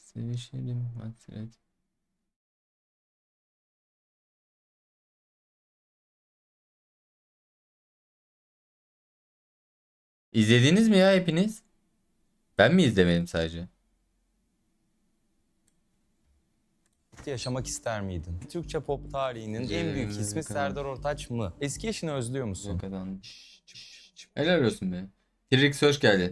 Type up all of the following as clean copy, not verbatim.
Sevişelim hasret. İzlediniz mi ya hepiniz? Ben mi izlemedim sadece? Yaşamak ister miydin? Türkçe pop tarihinin en büyük ismi Serdar Ortaç mı? Eski eşini özlüyor musun? Yakadan. Helal olsun be. Trix hoş geldin.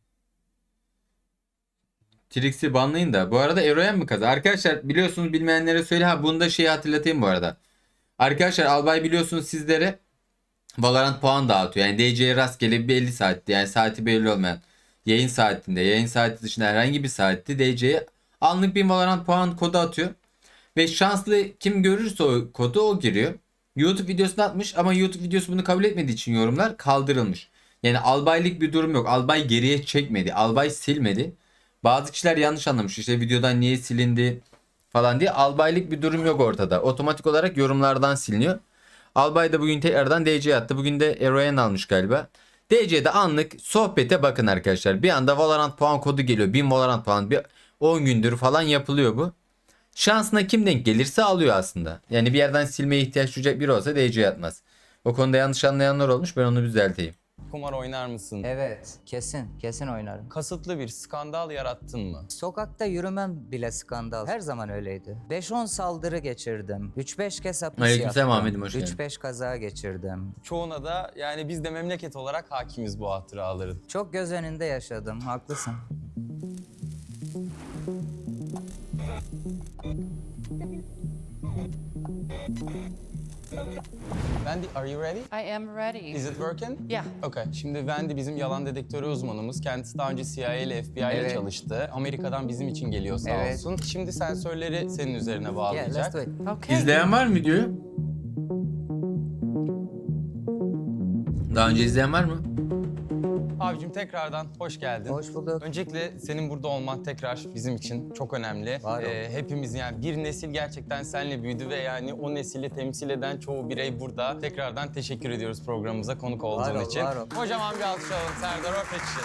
Trix'i banlayın da. Bu arada Eroyen mi kazandı? Arkadaşlar biliyorsunuz, bilmeyenlere söyle. Ha, bunu da şeyi hatırlatayım bu arada. Arkadaşlar Albay biliyorsunuz sizlere Valorant puan dağıtıyor. Yani DC'ye rastgele bir 50 saatti. Yani saati belli olmayan yayın saatinde, yayın saati dışında herhangi bir saatte DC'ye anlık bir Valorant puan kodu atıyor. Ve şanslı kim görürse o kodu o giriyor. YouTube videosunu atmış ama YouTube videosu bunu kabul etmediği için yorumlar kaldırılmış. Yani albaylık bir durum yok. Albay geriye çekmedi. Albay silmedi. Bazı kişiler yanlış anlamış. İşte videodan niye silindi falan diye. Albaylık bir durum yok ortada. Otomatik olarak yorumlardan siliniyor. Albay da bugün tekrardan DC attı. Bugün de Eroyen almış galiba. DC'de anlık sohbete bakın arkadaşlar. Bir anda Valorant puan kodu geliyor. 1000 Valorant puan. Bir 10 gündür falan yapılıyor bu. Şansına kim denk gelirse alıyor aslında. Yani bir yerden silmeye ihtiyaç duyacak biri olsa DC atmaz. O konuda yanlış anlayanlar olmuş. Ben onu düzelteyim. Kumar oynar mısın? Evet, kesin oynarım. Kasıtlı bir skandal yarattın mı? Sokakta yürümem bile skandal. Her zaman öyleydi. 5-10 saldırı geçirdim. 3-5 kez hapis Aleykümselam yattım. Ahmet'im, hoş geldin. 3-5 kaza geçirdim. Çoğuna da yani biz de memleket olarak hakimiz bu hatıraların. Çok göz önünde yaşadım, haklısın. Wendy, are you ready? I am ready. Is it working? Yeah. Okay. Şimdi Wendy bizim yalan dedektörü uzmanımız. Kendisi daha önce CIA ile FBI ile Evet. çalıştı. Amerika'dan bizim için geliyor sağ Evet. olsun. Şimdi sensörleri senin üzerine Yeah, bağlayacak. let's do it. Okay. İzleyen var mı videoyu? Daha önce izleyen var mı? Abicim tekrardan hoş geldin. Hoş bulduk. Öncelikle senin burada olman tekrar bizim için çok önemli. Var ol. Hepimiz yani bir nesil gerçekten seninle büyüdü ve yani o nesili temsil eden çoğu birey burada. Tekrardan teşekkür ediyoruz programımıza konuk olduğun Var ol, için. var ol. Kocaman bir alkış alalım Serdar Ortaç için.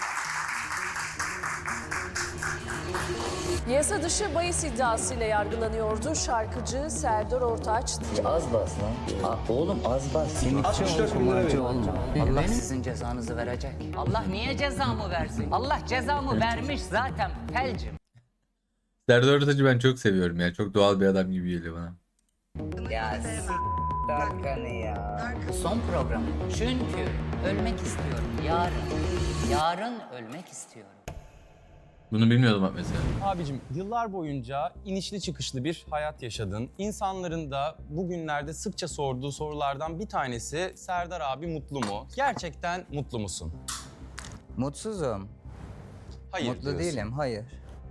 Yasa dışı bahis iddiasıyla yargılanıyordu şarkıcı Serdar Ortaç. Az bas lan. Oğlum az bas. Simitçi ol, kumarcı olma. Allah sizin cezanızı verecek. Allah niye cezamı versin? Allah cezamı vermiş zaten felcim. Serdar Ortaç'ı ben çok seviyorum ya. Çok doğal bir adam gibi geliyor bana. Ya Darkan'ı ya. Son program. Çünkü ölmek istiyorum yarın. Yarın ölmek istiyorum. Bunu bilmiyordum bak mesela. Abicim yıllar boyunca inişli çıkışlı bir hayat yaşadın. İnsanların da bugünlerde sıkça sorduğu sorulardan bir tanesi Serdar abi mutlu mu? Gerçekten mutlu musun? Mutsuzum. Hayır Mutlu diyorsun. değilim, hayır.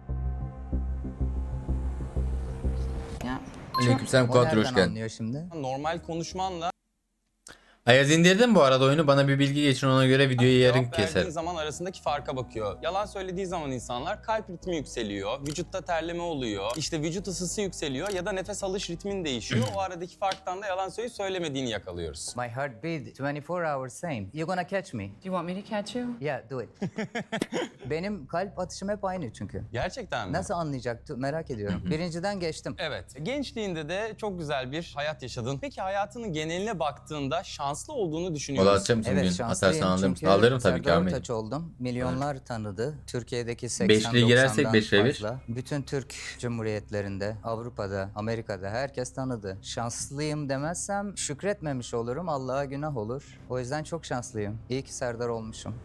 Ya Aleykümselam O Kuatro, hoş nereden geldin. anlıyor şimdi? Normal konuşmanla Ayaz indirdim bu arada oyunu. Bana bir bilgi geçin, ona göre videoyu yarın cevap verdiğin keserim. zaman arasındaki farka bakıyor. Yalan söylediği zaman insanlar kalp ritmi yükseliyor, vücutta terleme oluyor, işte vücut ısısı yükseliyor ya da nefes alış ritmin değişiyor. O aradaki farktan da yalan söylemediğini yakalıyoruz. My heartbeat 24 hours same. You gonna catch me? Do you want me to catch you? Yeah, do it. Benim kalp atışım hep aynı çünkü. Gerçekten mi? Nasıl anlayacaktı merak ediyorum. Birinciden geçtim. Evet. Gençliğinde de çok güzel bir hayat yaşadın. Peki hayatının geneline baktığında şanslı olduğunu düşünüyor Valla musun? atacak mısın Evet bugün? şanslıyım Atarsan alır mısın? çünkü Alırım tabii ki Serdar Ahmet. Ortaç oldum. Milyonlar tanıdı. Türkiye'deki 80-90'dan Beşliğe girersek beşliğe bir. fazla. Bütün Türk Cumhuriyetlerinde, Avrupa'da, Amerika'da herkes tanıdı. Şanslıyım demezsem şükretmemiş olurum. Allah'a günah olur. O yüzden çok şanslıyım. İyi ki Serdar olmuşum.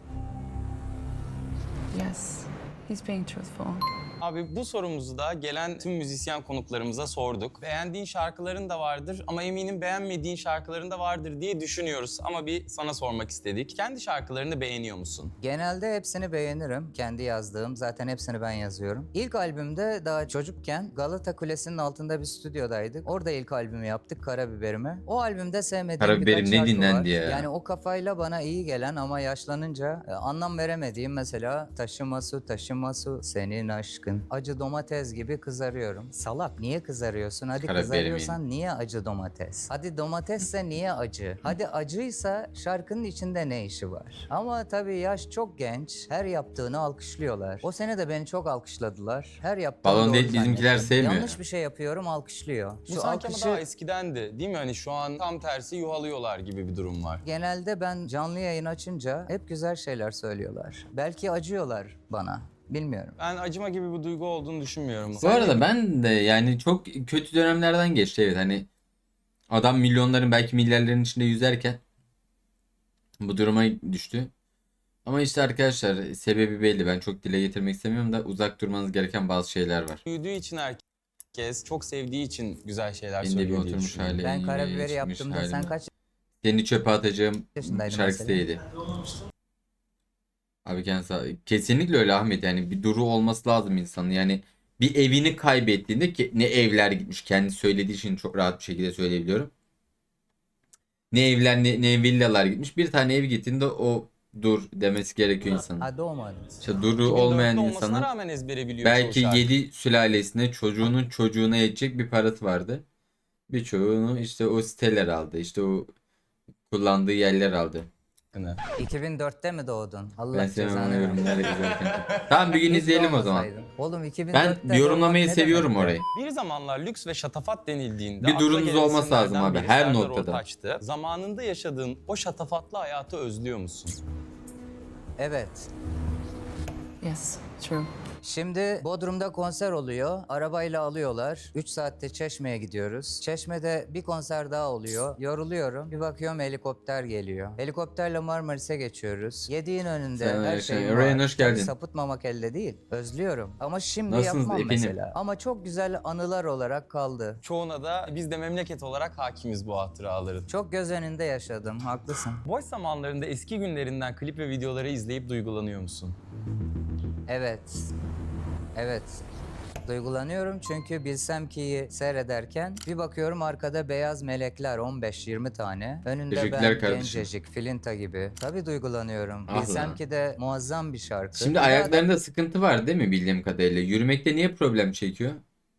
Yes. He's being truthful. Abi bu sorumuzu da gelen tüm müzisyen konuklarımıza sorduk. Beğendiğin şarkıların da vardır ama eminim beğenmediğin şarkıların da vardır diye düşünüyoruz. Ama bir sana sormak istedik. Kendi şarkılarını beğeniyor musun? Genelde hepsini beğenirim. Kendi yazdığım. Zaten hepsini ben yazıyorum. İlk albümde daha çocukken Galata Kulesi'nin altında bir stüdyodaydık. Orada ilk albümü yaptık, Karabiberimi. O albümde sevmediğim Karabiberim birkaç ne şarkı dinlendi var. ya? Yani o kafayla bana iyi gelen ama yaşlanınca anlam veremediğim mesela Taşıma su, taşıma su, senin aşkın şaşkın. Acı domates gibi kızarıyorum. Salak, niye kızarıyorsun? Hadi Karabiber kızarıyorsan niye acı domates? Hadi domatesse niye acı? Hadi acıysa şarkının içinde ne işi var? Ama tabii yaş çok genç. Her yaptığını alkışlıyorlar. O sene de beni çok alkışladılar. Her yaptığım Balon doğru değil, bizimkiler zannettim. sevmiyor. Yanlış bir şey yapıyorum, alkışlıyor. Bu sanki ama daha eskidendi değil mi? Hani şu an tam tersi yuhalıyorlar gibi bir durum var. Genelde ben canlı yayın açınca hep güzel şeyler söylüyorlar. Belki acıyorlar bana. Bilmiyorum. Ben acıma gibi bir duygu olduğunu düşünmüyorum. Bu arada ben de yani çok kötü dönemlerden geçti, evet, hani adam milyonların belki milyarların içinde yüzerken bu duruma düştü. Ama işte arkadaşlar sebebi belli, ben çok dile getirmek istemiyorum da uzak durmanız gereken bazı şeyler var. Büyüdüğü için herkes, çok sevdiği için güzel şeyler Benim de bir söylüyor diye oturmuş düşünüyorum. hali. Ben yine karabiberi çıkmış yaptığımda sen halime. kaç Seni çöpe atacağım yaşındaydın şarkısı mesela? değildi. Abi kesinlikle öyle Ahmet, yani bir duru olması lazım insanın, yani bir evini kaybettiğinde ki ne evler gitmiş, kendi söylediği için çok rahat bir şekilde söyleyebiliyorum. Ne evler ne villalar gitmiş, bir tane ev gittiğinde o dur demesi gerekiyor insanın. Ha, doğmadın. İşte duru 2004'te olmayan olmasına insanın rağmen ezbere biliyor belki çoğu şarkı. 7 sülalesine çocuğunun çocuğuna yetecek bir parası vardı. Birçoğunu işte o siteler aldı, işte o kullandığı yerler aldı. 2004'te mi doğdun? Allah Ben sevmem cezanı o versin. yorumları izlerken. Tamam, bir gün Hiç izleyelim o zaman. doğmasaydın. Oğlum 2004'te Ben yorumlamayı doğmak ne seviyorum demekti? orayı. Bir zamanlar lüks ve şatafat denildiğinde Bir akla durunuz gelen olması lazım isimlerden abi, biri her Serdar noktada. Ortaç'tı. Zamanında yaşadığın o şatafatlı hayatı özlüyor musun? Evet. Yes, true. Şimdi Bodrum'da konser oluyor. Arabayla alıyorlar. 3 saatte Çeşme'ye gidiyoruz. Çeşme'de bir konser daha oluyor. Yoruluyorum. Bir bakıyorum helikopter geliyor. Helikopterle Marmaris'e geçiyoruz. Yediğin önünde Sen- her sen- şeyin Ryan, var. hoş geldin. Tabii sapıtmamak elde değil. Özlüyorum. Ama şimdi Nasılsınız yapmam efendim? mesela. Ama çok güzel anılar olarak kaldı. Çoğuna da biz de memleket olarak hakimiz bu hatıraların. Çok göz önünde yaşadım. Haklısın. Boş zamanlarında eski günlerinden klip ve videoları izleyip duygulanıyor musun? Evet. Evet. Duygulanıyorum çünkü Bilsem Ki'yi seyrederken bir bakıyorum arkada beyaz melekler 15-20 tane. Önünde Teşekkürler ben kardeşim. gencecik, Filinta gibi. Tabii duygulanıyorum. Ah Bilsem lan. Ki de muazzam bir şarkı. Şimdi Bir daha da ayaklarında sıkıntı var değil mi bildiğim kadarıyla? Yürümekte niye problem çekiyor?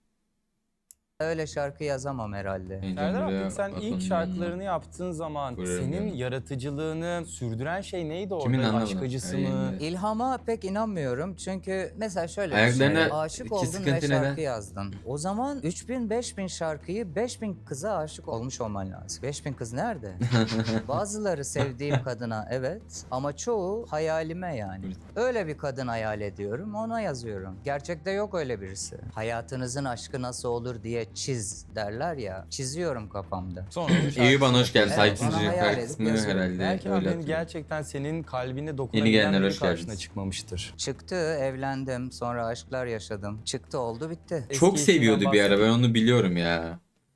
öyle şarkı yazamam herhalde. Serdar abi sen ilk şarkılarını yaptığın zaman Buyurun, senin buyurun. yaratıcılığını sürdüren şey neydi orada? Kimin anlamadım? Aşk acısı Ay, mı? İlhama pek inanmıyorum çünkü mesela şöyle Ayaklarına düşün. Aşık iki oldun sıkıntı ve neden? şarkı yazdın. O zaman 3000-5000 şarkıyı 5000 kıza aşık olmuş olman lazım. 5000 kız nerede? Bazıları sevdiğim kadına evet ama çoğu hayalime yani. Öyle bir kadın hayal ediyorum, ona yazıyorum. Gerçekte yok öyle birisi. Hayatınızın aşkı nasıl olur diye çiz derler ya. Çiziyorum kafamda. Sonra onun Eyüp şarkısını hoş geldin. Evet, Takipçinin bana hayal edip kısmı yazıyorum. herhalde Belki öyle abinin hatırlıyorum. gerçekten senin kalbine Yeni dokunabilen gelenler biri hoş karşına geldiniz. çıkmamıştır. Çıktı, evlendim, sonra aşklar yaşadım. Çıktı oldu bitti. Çok Eski seviyordu eşinden bir ara, ben bahsedeyim. onu biliyorum ya.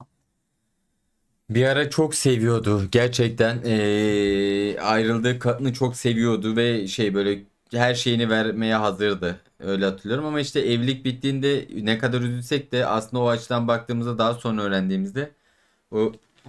Bir ara çok seviyordu gerçekten. Ayrıldığı kadını çok seviyordu ve şey böyle her şeyini vermeye hazırdı. Öyle hatırlıyorum ama işte evlilik bittiğinde ne kadar üzülsek de aslında o açıdan baktığımızda daha sonra öğrendiğimizde o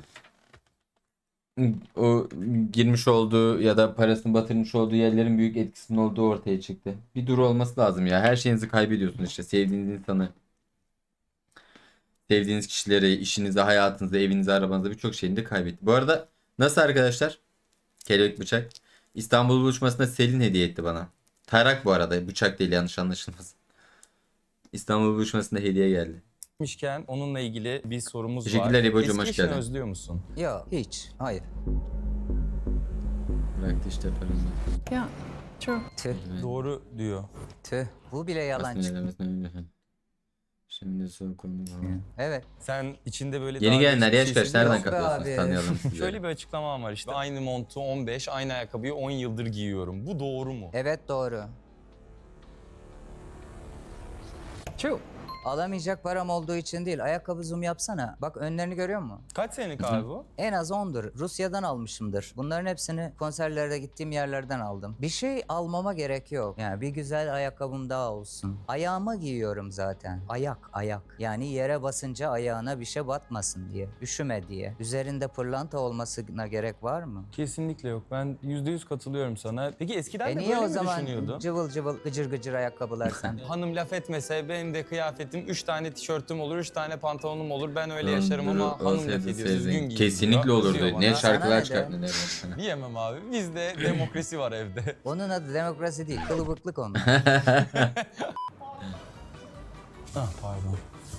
o girmiş olduğu ya da parasını batırmış olduğu yerlerin büyük etkisinin olduğu ortaya çıktı. Bir duru olması lazım ya. Her şeyinizi kaybediyorsunuz işte. Sevdiğiniz insanı, sevdiğiniz kişileri, işinizi, hayatınızı, evinizi, arabanızı, birçok şeyini de kaybetti. Bu arada nasıl arkadaşlar? Kelebek bıçak. İstanbul buluşmasında Selin hediye etti bana. Tarak bu arada. Bıçak değil, yanlış anlaşılmasın. İstanbul buluşmasında hediye geldi. Gitmişken onunla ilgili bir sorumuz var. Teşekkürler İbo'cum, Eski hoş eşini geldin. özlüyor musun? Yok hiç, hayır. Bıraktı işte paranı. Yeah, true. Tüh, Doğru diyor. tüh. Bu bile yalan Aslında çıktı. demesine öyle. Şimdi sokulmuş. Evet. Sen içinde böyle Yeni daha gelenler değişik yaş bir kaç? şey Nereden Yok be katılıyorsunuz? abi. Tanıyalım sizleri. Şöyle bir açıklamam var işte. Aynı montu 15, aynı ayakkabıyı 10 yıldır giyiyorum. Bu doğru mu? Evet doğru. True. Alamayacak param olduğu için değil. Ayakkabı zoom yapsana. Bak önlerini görüyor musun? Kaç senelik abi bu? En az 10'dur. Rusya'dan almışımdır. Bunların hepsini konserlerde gittiğim yerlerden aldım. Bir şey almama gerek yok. Yani bir güzel ayakkabım daha olsun. Ayağıma giyiyorum zaten. Ayak. Yani yere basınca ayağına bir şey batmasın diye. Üşüme diye. Üzerinde pırlanta olmasına gerek var mı? Kesinlikle yok. Ben %100 katılıyorum sana. Peki eskiden de Niye böyle o mi zaman düşünüyordun? cıvıl cıvıl gıcır gıcır ayakkabılar sen? Hanım laf etmese benim de kıyafetim 3 tane tişörtüm olur, 3 tane pantolonum olur. Ben öyle yaşarım ama hanım laf ediyor, düzgün giyin Kesinlikle diyor. olurdu. Kızıyor Ne bana. şarkılar Sana ne çıkarttın de? ne Diyemem abi. Bizde demokrasi var evde. Onun adı demokrasi değil, kılıbıklık onun. Ah pardon.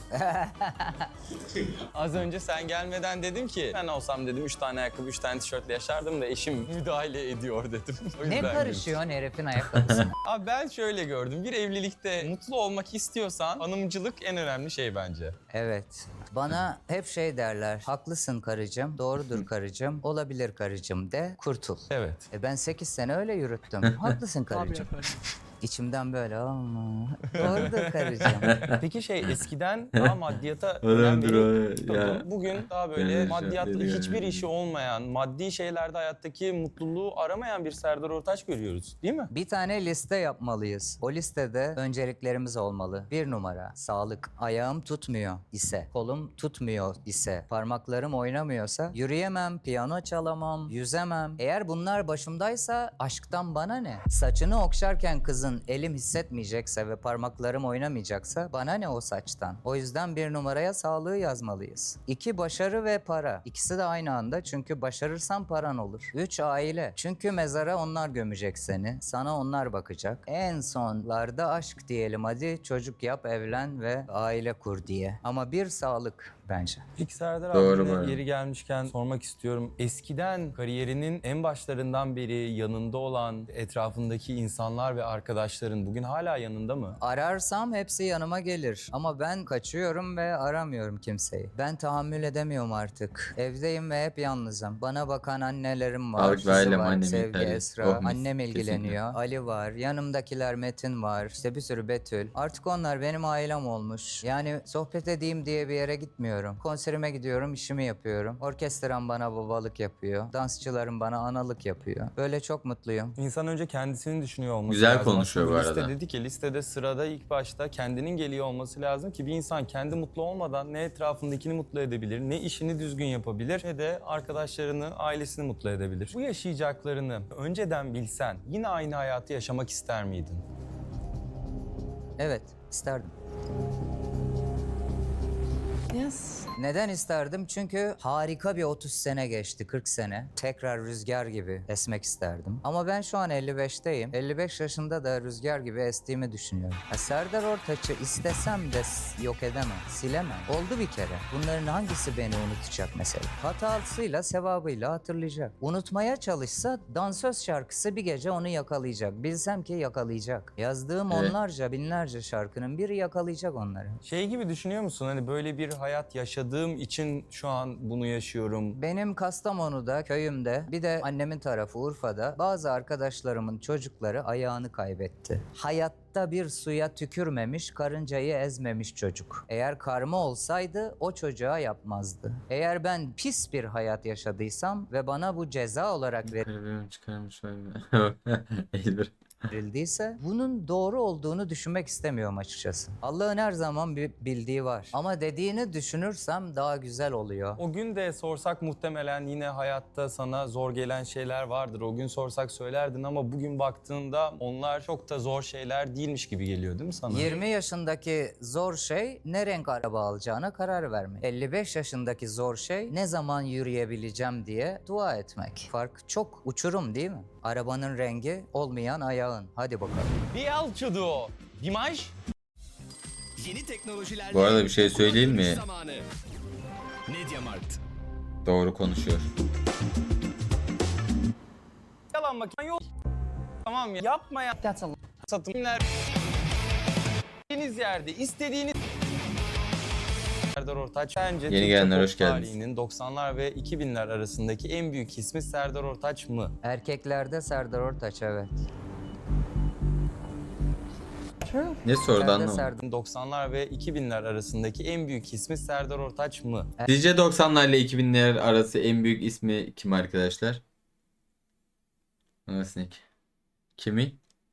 Az önce sen gelmeden dedim ki ben olsam dedim 3 tane ayakkabı 3 tane tişörtle yaşardım da eşim müdahale ediyor dedim. O Ne yüzden karışıyorsun herifin ayakkabısına? güldüm. Abi ben şöyle gördüm. Bir evlilikte mutlu olmak istiyorsan hanımcılık en önemli şey bence. Evet. Bana hep şey derler. Haklısın karıcığım, doğrudur karıcığım, olabilir karıcığım de, kurtul. Evet. Ben 8 sene öyle yürüttüm. Haklısın karıcığım. İçimden böyle ama doğrudur karıcığım. Peki eskiden daha maddiyata önem Önemlidir o, veriyordun. ya. Bugün daha böyle Yani maddiyatla şöyle hiçbir yani. işi olmayan, maddi şeylerde hayattaki mutluluğu aramayan bir Serdar Ortaç görüyoruz değil mi? Bir tane liste yapmalıyız. O listede önceliklerimiz olmalı. 1 numara sağlık. Ayağım tutmuyor ise, kolum tutmuyor ise, parmaklarım oynamıyorsa, yürüyemem, piyano çalamam, yüzemem. Eğer bunlar başımdaysa aşktan bana ne? Saçını okşarken kızın elim hissetmeyecekse ve parmaklarım oynamayacaksa bana ne o saçtan? O yüzden 1 numaraya sağlığı yazmalıyız. 2 başarı ve para. İkisi de aynı anda çünkü başarırsan paran olur. 3 aile. Çünkü mezara onlar gömecek seni. Sana onlar bakacak. En sonlarda aşk diyelim hadi. Çocuk yap, evlen ve aile kur diye. Ama bir sağlık bence. Peki Serdar Doğru abi bu. yine yeri gelmişken sormak istiyorum. Eskiden kariyerinin en başlarından beri yanında olan etrafındaki insanlar ve arkadaşların bugün hala yanında mı? Ararsam hepsi yanıma gelir. Ama ben kaçıyorum ve aramıyorum kimseyi. Ben tahammül edemiyorum artık. Evdeyim ve hep yalnızım. Bana bakan annelerim var. Sağlık ve Kızı ailem, var, annem Sevgi, yeterli. Esra. Oh mis, Annem kesinlikle. ilgileniyor. Ali var. Yanımdakiler Metin var. İşte bir sürü Betül. Artık onlar benim ailem olmuş. Yani sohbet edeyim diye bir yere gitmiyorum. Konserime gidiyorum, işimi yapıyorum. Orkestram bana babalık yapıyor. Dansçılarım bana analık yapıyor. Böyle çok mutluyum. İnsan önce kendisini düşünüyor olması Güzel lazım. konuşuyor Aslında bu arada. Liste dedi ki listede sırada ilk başta kendinin geliyor olması lazım ki bir insan kendi mutlu olmadan ne etrafındakini mutlu edebilir, ne işini düzgün yapabilir, ne de arkadaşlarını, ailesini mutlu edebilir. Bu yaşayacaklarını önceden bilsen yine aynı hayatı yaşamak ister miydin? Evet, isterdim. Yes. Neden isterdim? Çünkü harika bir 30 sene geçti, 40 sene. Tekrar rüzgar gibi esmek isterdim. Ama ben şu an 55'teyim. 55 yaşında da rüzgar gibi estiğimi düşünüyorum. Serdar Ortaç'ı istesem de yok edemem, silemem. Oldu bir kere. Bunların hangisi beni unutacak mesela? Hatasıyla, sevabıyla hatırlayacak. Unutmaya çalışsa dansöz şarkısı bir gece onu yakalayacak. Bilsem ki yakalayacak. Yazdığım Evet. onlarca, binlerce şarkının biri yakalayacak onları. Gibi düşünüyor musun? Hani böyle bir hayat yaşadığım için şu an bunu yaşıyorum. Benim Kastamonu'da, köyümde, bir de annemin tarafı Urfa'da bazı arkadaşlarımın çocukları ayağını kaybetti. Hayatta bir suya tükürmemiş, karıncayı ezmemiş çocuk. Eğer karma olsaydı o çocuğa yapmazdı. Eğer ben pis bir hayat yaşadıysam ve bana bu ceza olarak Kalbimi çıkarmış Elbir. verildiyse bunun doğru olduğunu düşünmek istemiyorum açıkçası. Allah'ın her zaman bir bildiği var. Ama dediğini düşünürsem daha güzel oluyor. O gün de sorsak muhtemelen yine hayatta sana zor gelen şeyler vardır. O gün sorsak söylerdin ama bugün baktığında onlar çok da zor şeyler değilmiş gibi geliyor değil mi sana? 20 yaşındaki zor şey ne renk araba alacağına karar vermek. 55 yaşındaki zor şey ne zaman yürüyebileceğim diye dua etmek. Fark çok uçurum değil mi? Arabanın rengi olmayan ayağın. Hadi bakalım. Bialçudu. Dimaj. Yeni teknolojilerle Bu arada bir şey söyleyeyim mi? zamanı. Mediamarkt. Doğru konuşuyor. Yalan makine yok. Tamam ya. Yapma ya. That's a Satımlar. İstediğiniz yerde, istediğiniz... Serdar Ortaç bence Yeni Türkçe gelenler pop hoş geldiniz. tarihinin 90'lar ve 2000'ler arasındaki en büyük ismi Serdar Ortaç mı? Erkeklerde Serdar Ortaç evet. True. Ne sordu Nerede anlamadım. Serdar? 90'lar ve 2000'ler arasındaki en büyük ismi Serdar Ortaç mı? Sizce 90'lar ile 2000'ler arası en büyük ismi kim arkadaşlar? Nasnik. Kimi?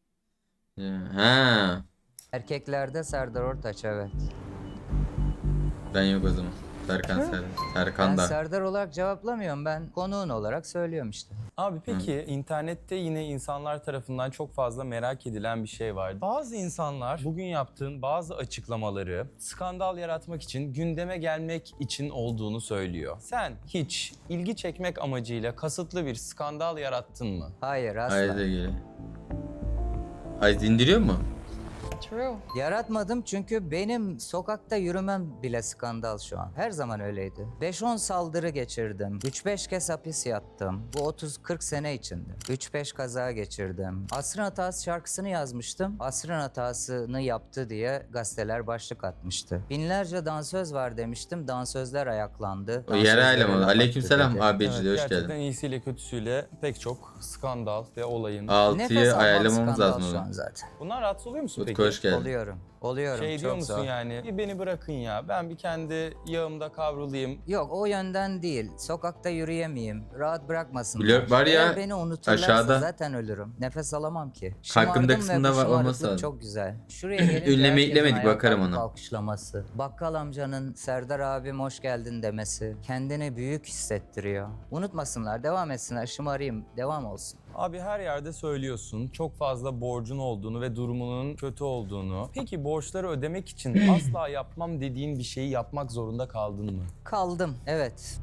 Ha, Erkeklerde Serdar Ortaç, evet. ben yok o zaman. Serkan Serdar. Serkan Ben da. Serdar olarak cevaplamıyorum. Ben konuğun olarak söylüyorum işte. Abi peki internette yine insanlar tarafından çok fazla merak edilen bir şey var. Bazı insanlar bugün yaptığın bazı açıklamaları skandal yaratmak için, gündeme gelmek için olduğunu söylüyor. Sen hiç ilgi çekmek amacıyla kasıtlı bir skandal yarattın mı? Hayır, asla. Haydi geliyor. Ay indiriyor mu? True. Yaratmadım çünkü benim sokakta yürümem bile skandal şu an. Her zaman öyleydi. 5-10 saldırı geçirdim. 3-5 kez hapis yattım. Bu 30-40 sene içinde. 3-5 kaza geçirdim. Asrın Hatası şarkısını yazmıştım. Asrın hatasını yaptı diye gazeteler başlık atmıştı. Binlerce dansöz var demiştim. Dansözler ayaklandı. O yerel Dansözlere eleman. laf Aleykümselam attı dedi. abicili hoş gerçekten geldin. iyisiyle kötüsüyle pek çok skandal ve olayın. Nefes 6'yı almam ayarlamamız skandal lazım o şu an zaman. zaten. Bunlar rahatsız oluyor musun Utku peki? hoş geldin. Oluyorum. Şey çok diyor musun zor. yani? Bir beni bırakın ya. Ben bir kendi yağımda kavrulayım. Yok, o yönden değil. Sokakta yürüyemeyeyim. Rahat bırakmasınlar. Blok var ya, Eğer beni unuturlarsa aşağıda. zaten ölürüm. Nefes alamam ki. Hakkımda Şımardım ve kısmında bu var, olması şımarıklık lazım. çok güzel. Şuraya gelince Ünleme herkesin eklemedik, ayağa bakarım kalkıp ona. alkışlaması. Bakkal amcanın Serdar abim hoş geldin demesi. Kendini büyük hissettiriyor. Unutmasınlar, devam etsinler. Şımarayım, devam olsun. Abi her yerde söylüyorsun çok fazla borcun olduğunu ve durumunun kötü olduğunu. Peki borçları ödemek için asla yapmam dediğin bir şeyi yapmak zorunda kaldın mı? Kaldım, evet.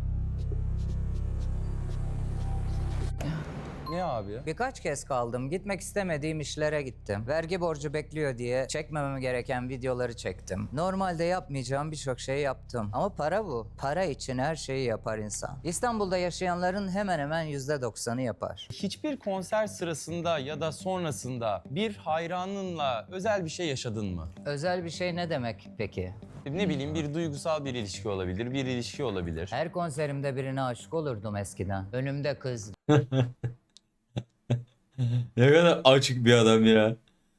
Ne abi? Birkaç kez kaldım. Gitmek istemediğim işlere gittim. Vergi borcu bekliyor diye çekmemem gereken videoları çektim. Normalde yapmayacağım birçok şeyi yaptım. Ama para bu. Para için her şeyi yapar insan. İstanbul'da yaşayanların hemen hemen %90'ı yapar. Hiçbir konser sırasında ya da sonrasında bir hayranınla özel bir şey yaşadın mı? Özel bir şey ne demek peki? Ne bileyim bir duygusal bir ilişki olabilir, bir ilişki olabilir. Her konserimde birine aşık olurdum eskiden. Önümde kız. Ne kadar açık bir adam ya.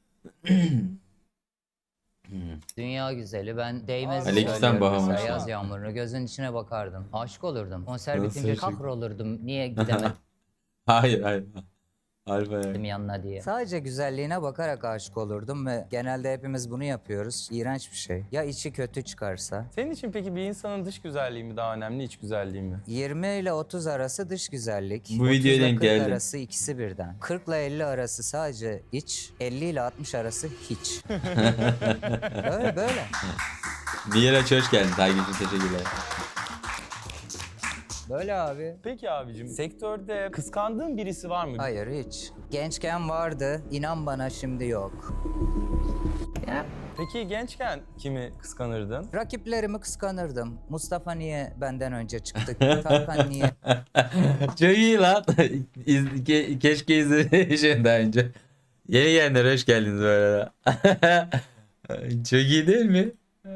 Dünya güzeli. Ben değmez Aleykümselam Bahamas. mesela yaz yağmurunu. Gözün içine bakardım. Aşık olurdum. Konser Nasıl bitince aşık? kahrolurdum. Niye gidemedim Hayır. Alfa ya. yanına diye. Sadece güzelliğine bakarak aşık olurdum ve genelde hepimiz bunu yapıyoruz. İğrenç bir şey. Ya içi kötü çıkarsa? Senin için peki bir insanın dış güzelliği mi daha önemli, iç güzelliği mi? 20 ile 30 arası dış güzellik. Bu videoya 30 ile denk 40 geldim. arası ikisi birden. 40 ile 50 arası sadece iç. 50 ile 60 arası hiç. böyle. Miraç hoş geldin. Takip için teşekkürler. Böyle abi. Peki abicim, sektörde kıskandığın birisi var mı? Hayır hiç. Gençken vardı. İnan bana şimdi yok. Yeah. Peki gençken kimi kıskanırdın? Rakiplerimi kıskanırdım. Mustafa niye benden önce çıktı? Tarkan niye? Çok iyi lan. Keşke izlemişim daha önce. Yeni gelenler hoş geldiniz bu arada. Çok iyi değil mi?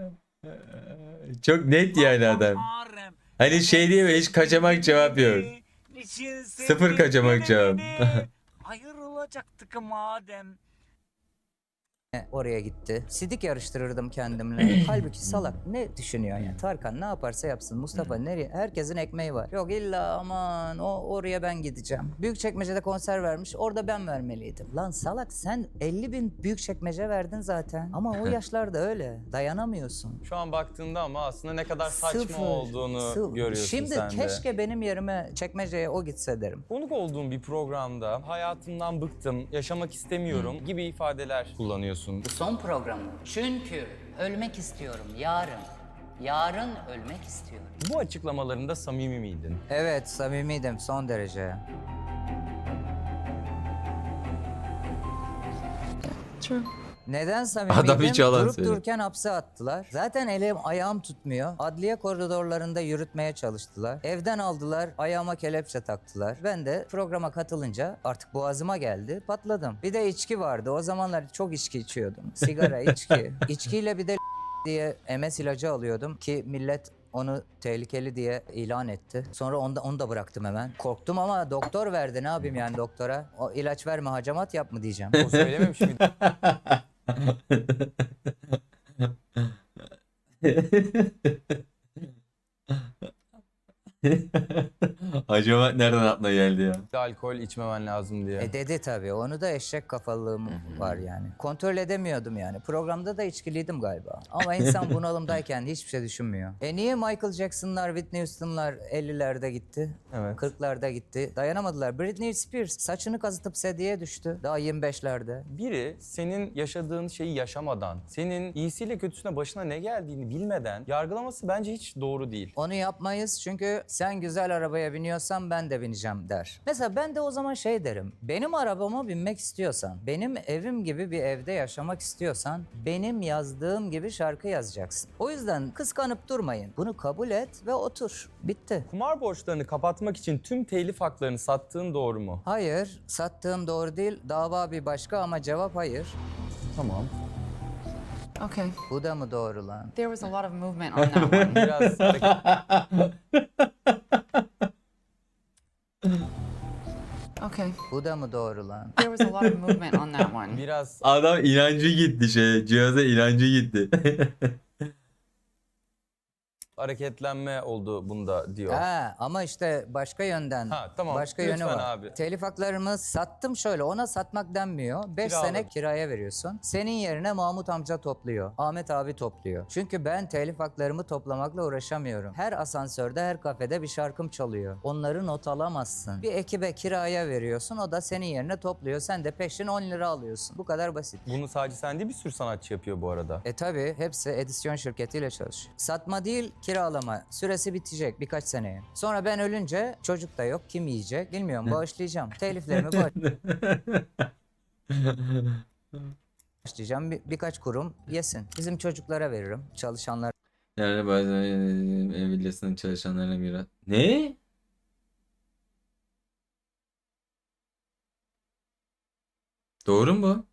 Çok net yani adam. Hani şey diye mi, hiç kaçamak cevap yok. Sıfır kaçamak cevap. Hayır olacaktık madem. Oraya gitti. Sidik yarıştırırdım kendimle. Halbuki salak ne düşünüyor yani? Tarkan ne yaparsa yapsın. Mustafa nereye? Herkesin ekmeği var. Yok illa aman oraya ben gideceğim. Büyükçekmece'de konser vermiş. Orada ben vermeliydim. Lan salak sen 50.000 Büyükçekmece verdin zaten. Ama o yaşlarda öyle. Dayanamıyorsun. Şu an baktığında ama aslında ne kadar saçma Sıfır. olduğunu görüyorsun Şimdi sen de. keşke benim yerime çekmeceye o gitse derim. Konuk olduğum bir programda hayatımdan bıktım, yaşamak istemiyorum gibi ifadeler kullanıyorsun. Bu son programım. Çünkü ölmek istiyorum yarın. Yarın ölmek istiyorum. Bu açıklamalarında samimi miydin? Evet samimiydim son derece. True. Neden samimiydim? Adam hiç yalan Durup söylüyor. dururken hapse attılar. Zaten elim ayağım tutmuyor. Adliye koridorlarında yürütmeye çalıştılar. Evden aldılar, ayağıma kelepçe taktılar. Ben de programa katılınca artık boğazıma geldi, patladım. Bir de içki vardı. O zamanlar çok içki içiyordum. Sigara, içki. İçkiyle bir de diye MS ilacı alıyordum ki millet onu tehlikeli diye ilan etti. Sonra onu da bıraktım hemen. Korktum ama doktor verdi. Ne yapayım yani doktora? O ilaç verme, hacamat yap mı diyeceğim. O söylememiş miydi? Acaba nereden aklına geldi ya? Alkol içmemen lazım diye. Dedi tabii. Onu da eşek kafalığım var yani. Kontrol edemiyordum yani. Programda da içkiliydim galiba. Ama insan bunalımdayken hiçbir şey düşünmüyor. Niye Michael Jackson'lar, Whitney Houston'lar 50'lerde gitti? Evet. 40'larda gitti. Dayanamadılar. Britney Spears saçını kazıtıp sedyeye düştü. Daha 25'lerde. Biri senin yaşadığın şeyi yaşamadan, senin iyisiyle kötüsüne başına ne geldiğini bilmeden yargılaması bence hiç doğru değil. Onu yapmayız çünkü sen güzel arabaya biniyorsan ben de bineceğim der. Mesela ben de o zaman şey derim. Benim arabama binmek istiyorsan, benim evim gibi bir evde yaşamak istiyorsan benim yazdığım gibi şarkı yazacaksın. O yüzden kıskanıp durmayın. Bunu kabul et ve otur. Bitti. Kumar borçlarını kapatmak için tüm telif haklarını sattığın doğru mu? Hayır, sattığım doğru değil. Dava bir başka ama cevap hayır. Tamam. Okay. Bu da mı doğru lan? There was a lot of movement on that one. Biraz Okay. Bu da mı doğru lan? There was a lot of movement on that one. biraz Adam inancı gitti cihaza inancı gitti. hareketlenme oldu bunda diyor. Ha, ama işte başka yönden. Ha, tamam. Başka Lütfen yönü var. abi. Telif haklarımı sattım şöyle. Ona satmak denmiyor. 5 Kiraladım. sene kiraya veriyorsun. Senin yerine Mahmut amca topluyor. Ahmet abi topluyor. Çünkü ben telif haklarımı toplamakla uğraşamıyorum. Her asansörde, her kafede bir şarkım çalıyor. Onları not alamazsın. Bir ekibe kiraya veriyorsun. O da senin yerine topluyor. Sen de peşin 10 lira alıyorsun. Bu kadar basit. Bunu sadece sen değil bir sürü sanatçı yapıyor bu arada. Tabi hepsi edisyon şirketiyle çalışıyor. Satma değil, kiralama. Süresi bitecek birkaç seneye. Sonra ben ölünce çocuk da yok. Kim yiyecek? Bilmiyorum. Bağışlayacağım. Teliflerimi bağışlayacağım. Birkaç kurum yesin. Bizim çocuklara veririm. Çalışanlar Yani bazen ev villasının çalışanlarına miras. Ne? Doğru mu bu?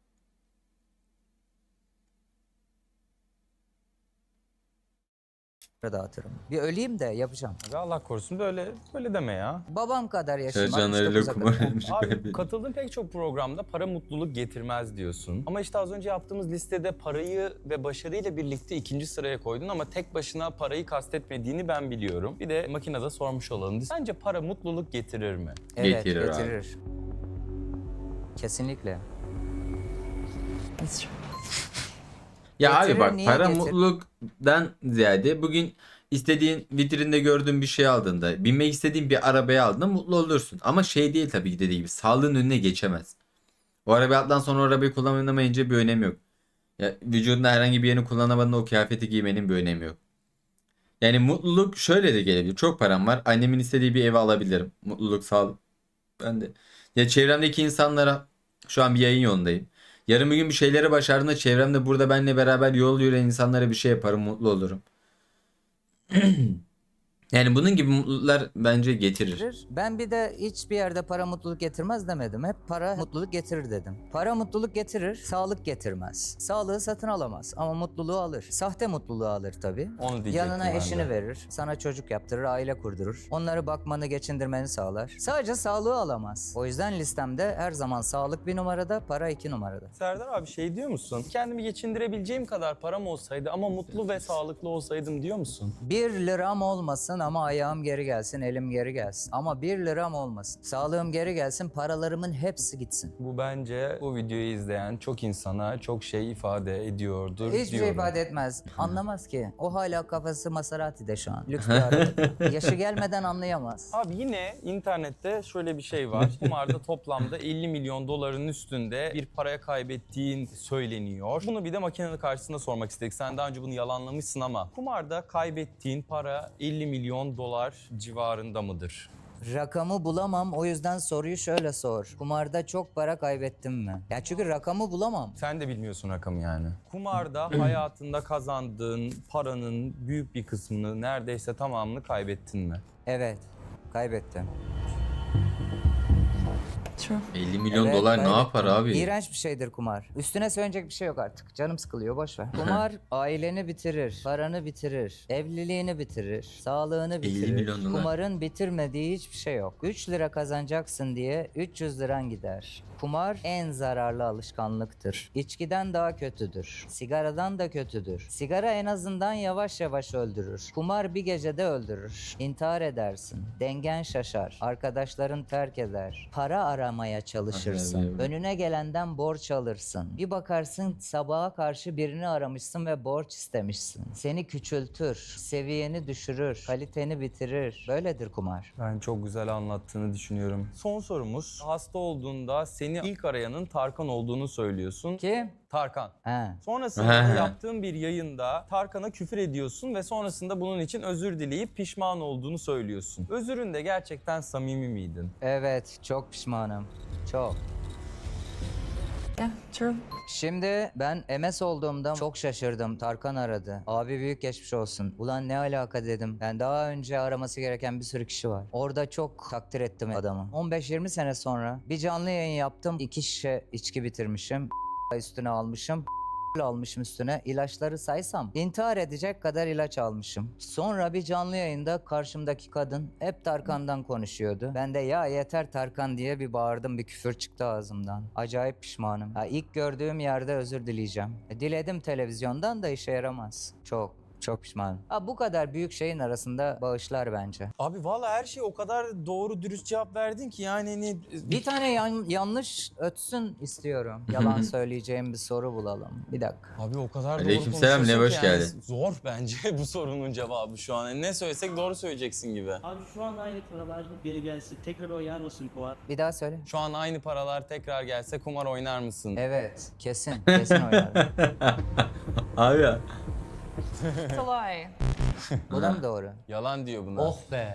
dağıtırım. Bir öleyim de yapacağım. Ve Allah korusun böyle deme ya. Babam kadar yaşayayım. Çalışanlarıyla 69'a kumar kadar. oynamış. Abi katıldığın pek çok programda para mutluluk getirmez diyorsun. Ama işte az önce yaptığımız listede parayı ve başarıyla birlikte ikinci sıraya koydun ama tek başına parayı kastetmediğini ben biliyorum. Bir de makinede sormuş olalım. Sence para mutluluk getirir mi? Evet, Getirir abi. getirir. Kesinlikle. It's true. Ya Getirir, abi bak niye para getir- mutluluktan ziyade bugün istediğin vitrinde gördüğün bir şey aldığında, binmek istediğin bir arabaya aldığında mutlu olursun. Ama şey değil tabii ki dediği gibi sağlığın önüne geçemez. O arabayı attan sonra o arabayı kullanamayınca bir önemi yok. Ya, vücudunda herhangi bir yerini kullanamadığında o kıyafeti giymenin bir önemi yok. Yani mutluluk şöyle de gelebilir. Çok param var. Annemin istediği bir evi alabilirim. Mutluluk, sağlık. Ben de. Ya çevremdeki insanlara şu an bir yayın yolundayım. Yarın bir gün bir şeyleri başardığında çevremde burada benimle beraber yol yürüyen insanlara bir şey yaparım, mutlu olurum. Yani bunun gibi mutluluklar bence getirir. getirir. Ben bir de hiçbir yerde para mutluluk getirmez demedim. Hep para mutluluk getirir dedim. Para mutluluk getirir, sağlık getirmez. Sağlığı satın alamaz ama mutluluğu alır. Sahte mutluluğu alır tabii. Onu diyecektim Yanına ben de. eşini verir, sana çocuk yaptırır, aile kurdurur. Onları bakmanı, geçindirmeni sağlar. Sadece sağlığı alamaz. O yüzden listemde her zaman sağlık bir numarada, para 2 numarada. Serdar abi şey diyor musun? Kendimi geçindirebileceğim kadar param olsaydı ama mutlu ve sağlıklı olsaydım diyor musun? 1 liram olmasın ama ayağım geri gelsin, elim geri gelsin. Ama 1 liram olmasın. Sağlığım geri gelsin, paralarımın hepsi gitsin. Bu bence bu videoyu izleyen çok insana çok şey ifade ediyordur Hiçbir şey diyorum. ifade etmez. Anlamaz ki. O hala kafası Maserati'de şu an. Lüks bir araba. Yaşı gelmeden anlayamaz. Abi yine internette şöyle bir şey var. Kumarda toplamda 50 milyon doların üstünde bir paraya kaybettiğin söyleniyor. Bunu bir de makinenin karşısında sormak istedik. Sen daha önce bunu yalanlamışsın ama kumarda kaybettiğin para 50 milyon dolar civarında mıdır? Rakamı bulamam, o yüzden soruyu şöyle sor. Kumarda çok para kaybettim mi? Ya çünkü rakamı bulamam. Sen de bilmiyorsun rakamı yani. Kumarda hayatında kazandığın paranın büyük bir kısmını, neredeyse tamamını kaybettin mi? Evet, kaybettim. True. 50 milyon Evet, dolar ne kaybettim. yapar abi? İğrenç bir şeydir kumar. Üstüne söyleyecek bir şey yok artık. Canım sıkılıyor, boş ver. Kumar aileni bitirir, paranı bitirir, evliliğini bitirir, sağlığını 50 bitirir. milyon dolar. Kumarın bitirmediği hiçbir şey yok. 3 lira kazanacaksın diye 300 liran gider. Kumar en zararlı alışkanlıktır. İçkiden daha kötüdür. Sigaradan da kötüdür. Sigara en azından yavaş yavaş öldürür. Kumar bir gecede öldürür. İntihar edersin. Dengen şaşar. Arkadaşların terk eder. Para aramaya çalışırsın. Evet. Önüne gelenden borç alırsın. Bir bakarsın sabaha karşı birini aramışsın ve borç istemişsin. Seni küçültür. Seviyeni düşürür. Kaliteni bitirir. Böyledir kumar. Ben çok güzel anlattığını düşünüyorum. Son sorumuz. Hasta olduğunda seni ilk arayanın Tarkan olduğunu söylüyorsun. Kim? Tarkan. He. Sonrasında da yaptığın bir yayında Tarkan'a küfür ediyorsun ve sonrasında bunun için özür dileyip pişman olduğunu söylüyorsun. Özüründe gerçekten samimi miydin? Evet, çok pişmanım. Çok. Yeah, true. Şimdi ben MS olduğumda çok şaşırdım. Tarkan aradı. Abi büyük geçmiş olsun. Ulan ne alaka dedim. Ben daha önce araması gereken bir sürü kişi var. Orada çok takdir ettim adamı. 15-20 sene sonra bir canlı yayın yaptım. 2 şişe içki bitirmişim. Üstüne almışım. Almışım üstüne. İlaçları saysam intihar edecek kadar ilaç almışım. Sonra bir canlı yayında karşımdaki kadın hep Tarkan'dan konuşuyordu. Ben de ya yeter Tarkan diye bir bağırdım, bir küfür çıktı ağzımdan. Acayip pişmanım. İlk gördüğüm yerde özür dileyeceğim. Diledim televizyondan da işe yaramaz. Çok pişmanım. Bu kadar büyük şeyin arasında bağışlar bence. Abi valla her şey o kadar doğru dürüst cevap verdin ki yani hani... Bir tane yanlış ötsün istiyorum. Yalan söyleyeceğim bir soru bulalım. Bir dakika. Abi o kadar doğru Aleykümselam, konuşuyorsun ne ki hoş yani geldin. zor bence bu sorunun cevabı şu an. Yani ne söylesek doğru söyleyeceksin gibi. Abi şu an aynı paralar geri gelsin. Tekrar oynar mısın Fuat? Bir daha söyle. Şu an aynı paralar tekrar gelse kumar oynar mısın? Evet, kesin oynarım. Abi ya. It's a lie. Bu da mı doğru? Yalan diyor buna. Oh be.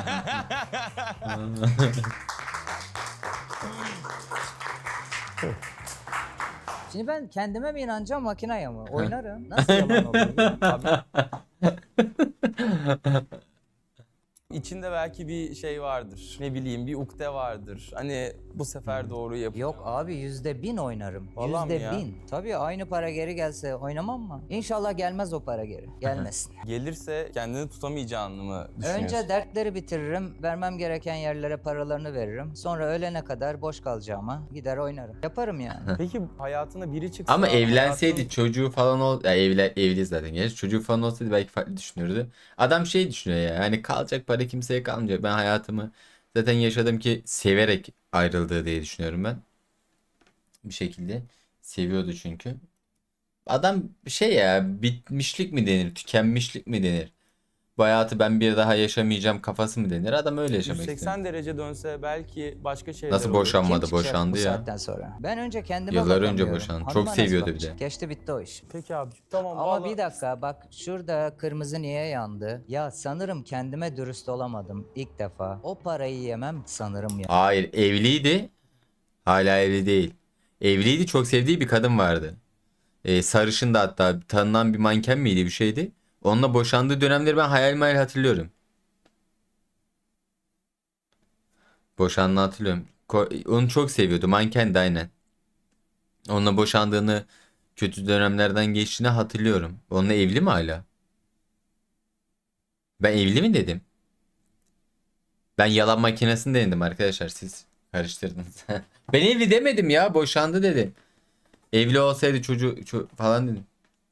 Şimdi ben kendime mi inanacağım, makineye mi? Oynarım. Nasıl yalan oluyor? İçinde belki bir şey vardır. Ne bileyim bir ukde vardır. Hani bu sefer doğru yap. Yok abi, %1000 oynarım. Vallahi mi ya? %1000. Tabii aynı para geri gelse oynamam mı? İnşallah gelmez o para geri. Gelmesin. Gelirse kendini tutamayacağını mı düşünüyorsun? Önce dertleri bitiririm. Vermem gereken yerlere paralarını veririm. Sonra ölene kadar boş kalacağıma gider oynarım. Yaparım yani. Peki hayatına biri çıksa... Ama evlenseydi hayatın- çocuğu falan ya evli zaten genç. Çocuğu falan olsaydı belki farklı düşünürdü. Adam şey düşünüyor ya. Hani kalacak para kimseye kalmayacak. Ben hayatımı zaten yaşadım ki severek ayrıldığı diye düşünüyorum ben. Bir şekilde seviyordu çünkü. Adam şey ya, bitmişlik mi denir, tükenmişlik mi denir? Bu hayatı ben bir daha yaşamayacağım kafası mı denir? Adam öyle yaşamak istiyor. 180 derece dönse belki başka şeyler Nasıl olur. boşanmadı, Kim çıkacak boşandı bu ya. saatten sonra? Ben önce kendime Yıllar önce bakamıyorum. boşandı. Hanıma Çok nasıl seviyordu bir bakacak? de. Geçti bitti o iş. Peki abi tamam. Ama vallahi- bir dakika bak, şurada kırmızı niye yandı? Ya sanırım kendime dürüst olamadım ilk defa. O parayı yemem sanırım ya. Hayır, evliydi. Hala evli değil. Evliydi, çok sevdiği bir kadın vardı. Sarışın da, hatta tanınan bir manken miydi, bir şeydi. Onunla boşandığı dönemleri ben hayal hatırlıyorum. Boşandığını hatırlıyorum. Onu çok seviyordu. Mankendi aynen. Onunla boşandığını, kötü dönemlerden geçtiğini hatırlıyorum. Onunla evli mi hala? Ben evli mi dedim? Ben yalan makinesini denedim arkadaşlar. Siz karıştırdınız. Ben evli demedim ya. Boşandı dedim. Evli olsaydı çocuğu falan dedim.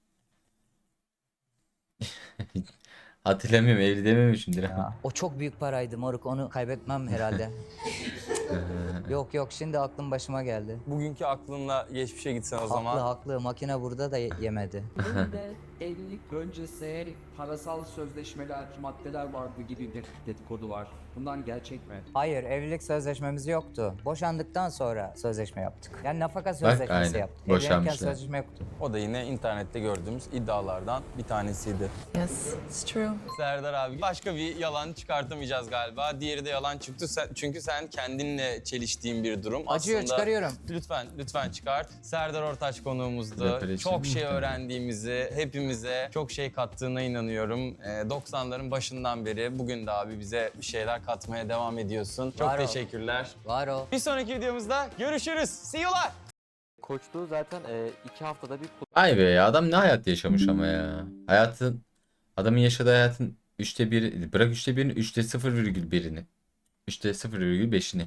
Hatırlamıyorum, evli dememişimdir. Ya, o çok büyük paraydı moruk, onu kaybetmem herhalde. Yok şimdi aklım başıma geldi. Bugünkü aklınla geçmişe gitsen o zaman. Haklı makine burada da yemedi. Önde evlilik öncesi parasal sözleşmeler, maddeler vardı gibi bir dedikodu var. Bundan gerçek mi? Hayır, evlilik sözleşmemiz yoktu. Boşandıktan sonra sözleşme yaptık. Yani nafaka sözleşmesi aynen. yaptık. Evlenirken Boşanmışlar. sözleşme yoktu. O da yine internette gördüğümüz iddialardan bir tanesiydi. Yes, it's true. Serdar abi başka bir yalan çıkartamayacağız galiba. Diğeri de yalan çıktı çünkü sen kendinle seninle çeliştiğim bir durum. Acıyor, çıkarıyorum. Lütfen çıkart. Serdar Ortaç konuğumuzdu. Rapper Çok için şey mi? öğrendiğimizi, hepimize çok şey kattığına inanıyorum. 90'ların başından beri bugün de abi bize bir şeyler katmaya devam ediyorsun. Çok Var ol. teşekkürler. Var o. Bir sonraki videomuzda görüşürüz. See you'lar. Koçluğu zaten 2 haftada bir Ay be ya, adam ne hayat yaşamış ama ya. Adamın yaşadığı hayatın 1/3, bırak 1/3'ünü, 0,1'ini. 0,5'ini.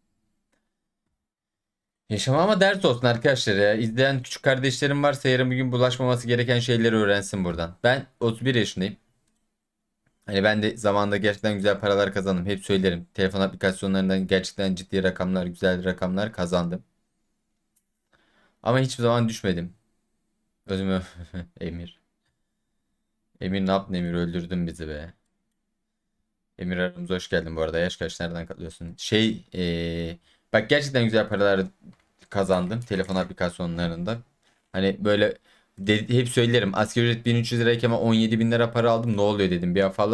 Yaşama ama ders olsun arkadaşlar ya. İzleyen küçük kardeşlerim varsa yarın bir gün bulaşmaması gereken şeyleri öğrensin buradan. Ben 31 yaşındayım. Hani ben de zamanında gerçekten güzel paralar kazandım. Hep söylerim. Telefon aplikasyonlarından gerçekten ciddi rakamlar, güzel rakamlar kazandım. Ama hiçbir zaman düşmedim. Özümü Emir. Emir ne yaptın Emir? Öldürdün bizi be. Emir aramıza hoş geldin bu arada. Yaş kaç? Nereden katılıyorsun? Bak gerçekten güzel paralar kazandım telefon aplikasyonlarında. Hani böyle hep söylerim. Asgari ücret 1300 lirayken 17.000 lira para aldım. Ne oluyor dedim. Bir afalladım.